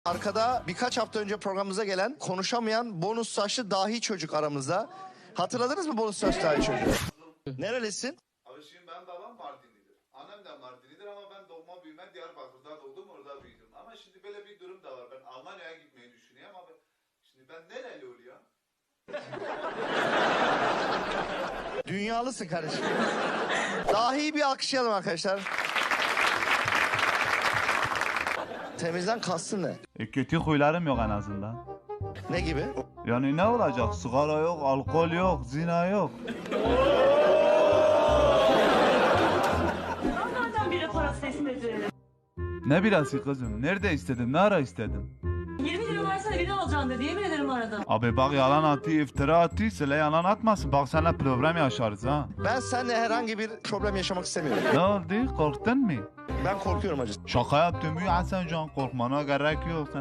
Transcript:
Arkada birkaç hafta önce programımıza gelen konuşamayan bonus saçlı dahi çocuk aramızda. Hatırladınız mı bonus saçlı dahi çocuğu? Nerelisin? Abi şimdi benim babam Mardinlidir. Annem de Mardinlidir ama ben doğma büyüme Diyarbakır'da doğdum, orada büyüdüm. Ama şimdi böyle bir durum da var. Ben Almanya'ya gitmeyi düşünüyorum ama şimdi ben nereli oluyorum? Dünyalısın kardeşim. Dahi bir alkışlayalım arkadaşlar. Temizden kastın ne? Kötü huylarım yok en azından. Ne gibi? Yani ne olacak? Sigara yok, alkol yok, zina yok. Nereden biri parası istedi? Ne birası kızım? Nerede istedim? Ne ara istedim? 20 lira versene beni alacaksın dedi. Yemin ederim aradım. Abi bak yalan attı, iftira attı. Söyle yalan atmasın. Bak seninle problem yaşarız ha. Ben seninle herhangi bir problem yaşamak istemiyorum. Ne oldu? Korktun mu? Ben korkuyorum acı. Şaka yaptım ya Hasan Can. Korkmana gerek yok.